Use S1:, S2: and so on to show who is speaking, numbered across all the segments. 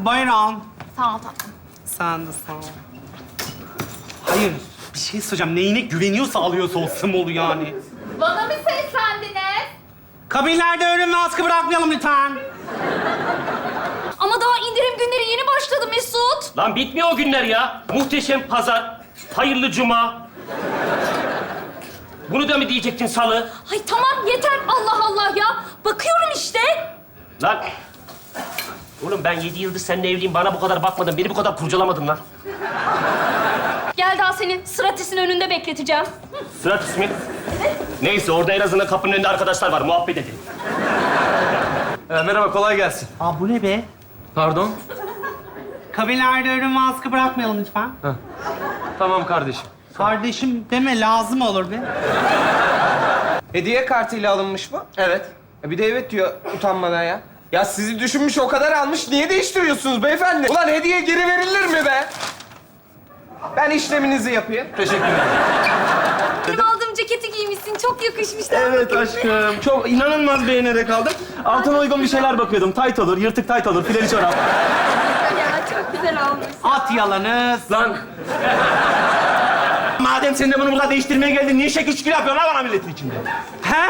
S1: Buyurun.
S2: Sağ ol tatlım.
S1: Sen de sağ ol. Hayır, bir şey söyleyeceğim. Neyine güveniyorsa alıyorsa o smolu yani.
S2: Bana mı seslendiniz?
S1: Kabinlerde ürün ve askı bırakmayalım lütfen.
S2: Ama daha indirim günleri yeni başladı Mesut.
S3: Lan bitmiyor o günler ya. Muhteşem pazar, hayırlı cuma. Bunu da mı diyecektin salı?
S2: Ay tamam yeter Allah Allah ya. Bakıyorum işte.
S3: Lan oğlum ben 7 yıldır seninle evliyim. Bana bu kadar bakmadın, beni bu kadar kurcalamadın lan.
S2: Gel daha senin sıratisinin önünde bekleteceğim.
S3: Sırat ismi. Neyse orada en azından kapının önünde arkadaşlar var. Muhabbet edelim.
S4: Merhaba, kolay gelsin.
S1: Aa, bu ne be?
S4: Pardon?
S1: Kabinlerde ürün ve askı bırakmayalım lütfen.
S4: Tamam kardeşim.
S1: Kardeşim deme, lazım olur be.
S5: Hediye kartıyla alınmış bu.
S4: Evet.
S5: Bir de evet diyor utanmadan ya. Ya sizi düşünmüş o kadar almış. Niye değiştiriyorsunuz beyefendi? Ulan hediye geri verilir mi be? Ben işleminizi yapayım.
S4: Teşekkür ederim.
S2: Benim aldığım ceketi giymişsin. Çok yakışmış.
S4: Evet aşkım. Çok inanılmaz beğenerek aldım. Altına uygun bir şeyler bakıyordum. Tayt olur, yırtık tayt olur, fileli çorap.
S2: Ya çok güzel olmuş.
S1: At yalanız.
S4: Lan! Madem sen de bunu burada değiştirmeye geldin, niye şekil şükür yapıyorsun lan bana milletin içinde?
S1: He?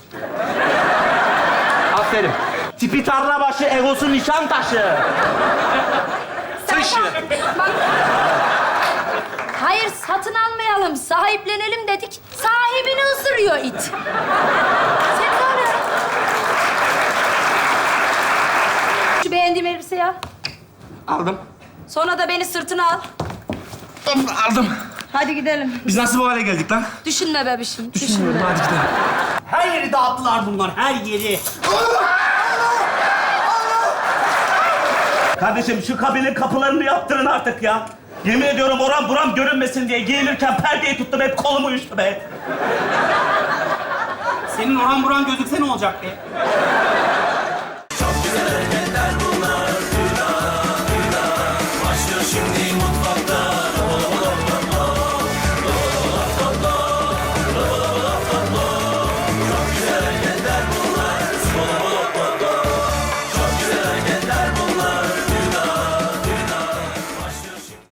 S4: Aferin. Tipi tarla başı, egosu nişan taşı.
S2: Bak. Hayır satın almayalım. Sahiplenelim dedik. Sahibini ısırıyor it. Sen de öyle. Şu beğendiğim elbiseyi al.
S4: Aldım.
S2: Sonra da beni sırtına al.
S4: Aldım.
S2: Hadi gidelim.
S4: Biz nasıl bu hale geldik lan?
S2: Düşünme bebişim.
S4: Düşünmüyorum, hadi gidelim.
S1: Her yeri dağıttılar bunlar, her yeri.
S6: Kardeşim şu kabinin kapılarını yaptırın artık ya. Yemin ediyorum oram buram görünmesin diye giyinirken perdeyi tuttum, hep kolum uyuştu be.
S1: Senin oran buran gözükse ne olacak be?